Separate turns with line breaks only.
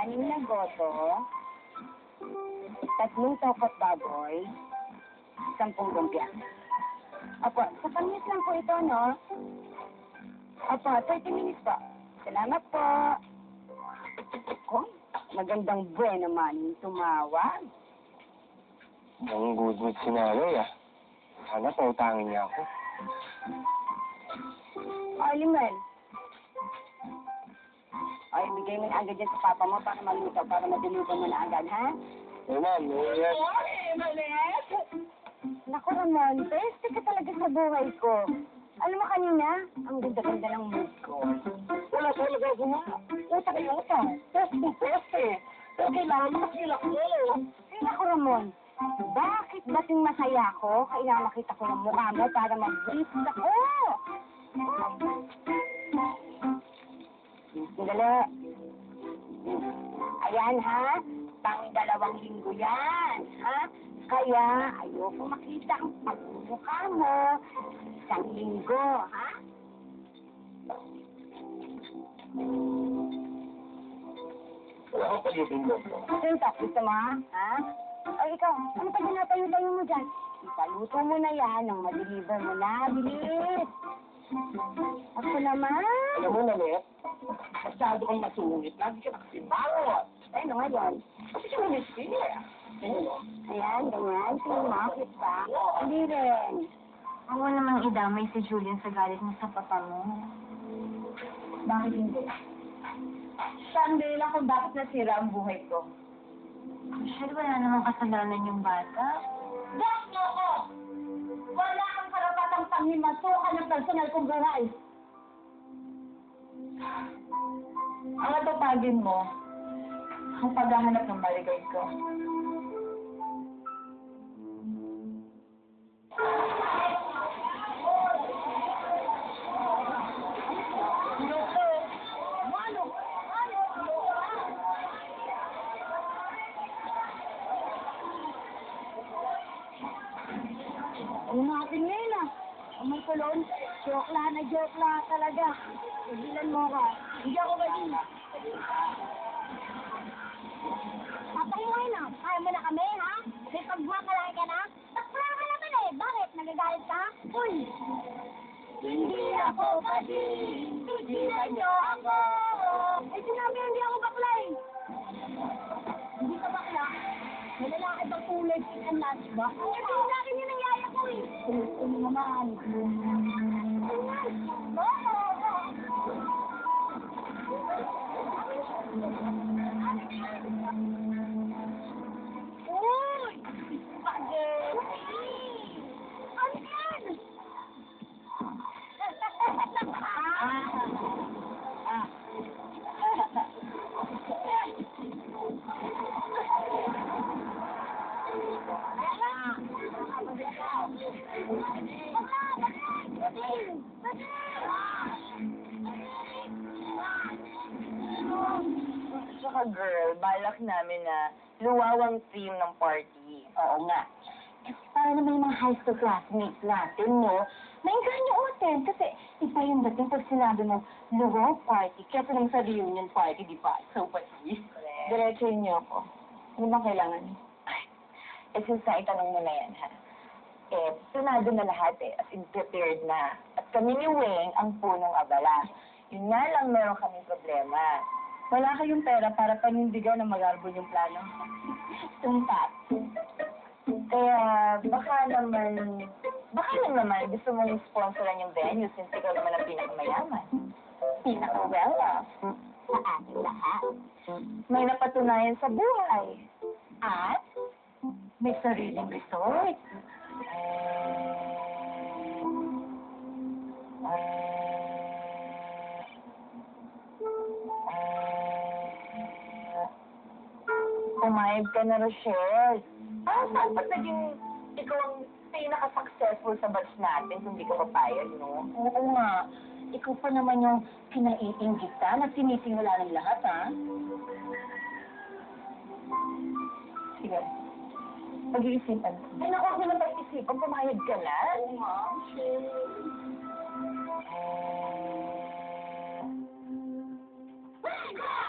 6 na goto, 3 tokot baboy, 10 lumpia. Opo, sa panis lang po ito, no? Opo, 30 minutes po. Salamat po. Oh, magandang buwan naman tumawag.
Ang good si nanay, ah. Sana pautangin niya ako.
Ay, Limel. Ay, bigay mo na agad yan sa papa mo para maluto, para madilugan mo na agad, ha?
Eh, ma'am, yes.
Ay, Malet! Naku, Ramon, beste ka talaga sa buhay ko. Alam mo kanina, ang ganda-ganda ng mood ko.
Wala talaga ako, ma.
Uta kayo, uta.
Peste. Pero kailangan mo makilak mo.
Ay, naku, Ramon. Bakit bating masaya ako? Kailangan makita ko ng mukha mo para mag-brief ako. Sandali. Ayan, ha? Pang-2 linggo yan, ha? Kaya, ayoko makita ang pagmumukha mo. 1 linggo, ha?
Wala ako pag-ibig mo.
Sintak, gusto mo, ha? Ay, ikaw, ano pa ginatayo-tayo mo dyan? Ipaluto mo na yan nang ma-deliver mo na. Bilis! Ako naman.
Alam mo, Nanette, masyado kang masungit. Lagi ka nakasibangot.
Ay, ano ngayon?
Kasi ka namiskin, eh.
Ayan, ganyan. Tingin mo, cute ba? Hindi rin.
Huwag mo namang idamay si Julian sa galit mo sa papa mo.
Bakit hindi? Sunday lang kung bakit nasira ang buhay ko.
Michelle, wala namang kasalanan yung bata.
Diyos mo ko! Wala kang karapatang panghimasukan ng personal kong buhay. Ang natupagin mo, ang paghahanap ng maligay ko. Ano natin ngayon, ah? Ang may kulon, joke lang talaga. Sigilan mo ka. Hindi ako galing. Papahingayin na. Kaya mo na kami, ha? May pagmamalaki ka na? Takpala ka naman eh. Bakit? Nagagalit ka? Uy! Hindi ako kasi. Tigilan niyo ako. Eh, sinabi hindi ako bakla eh. Hindi ka bakla. May lalaki bang kulay pink and lunch ba? Eh, hindi sa akin yun ang yaya ko eh. Gusto mo naman. Uy! Spaghetti! Ano yan?
Tsaka girl, balak namin na luwawang theme ng party.
Oo nga. Kasi para naman yung mga high school classmates natin, no? Nainganyo umaten kasi iba yung dating pag sinabi mo, luwaw party, kaya naman sa reunion party, di ba? So, pati. Diretsuhin niyo ako. Ano bang kailangan?
Eh, since naitanong mo na yan, ha? Eh, sunado na lahat eh, as in prepared na. At kami ni Wayne ang punong abala. Yun nga lang meron kaming problema. Wala kayong pera para panindigan na mag-arbon yung plano.
Tumpat.
Kaya, baka lang naman gusto mong sponsoran yung venue since ikaw naman ang pinakamayaman.
Pinaka-well-off sa ating lahat.
May napatunayan sa buhay.
At may sariling resort.
Pumayag ka na, Rochelle. Saan ba't naging ikaw ang pinaka-successful sa batch natin kung di ka papayag, no?
Oo nga. Ikaw pa naman yung pinaiinggita na sinisimula ng lahat, ha?
Sige. Pag-iisipan. Ay, naku, ako na pag-iisipan. Pumayag ka na.
Oo nga.
Eh...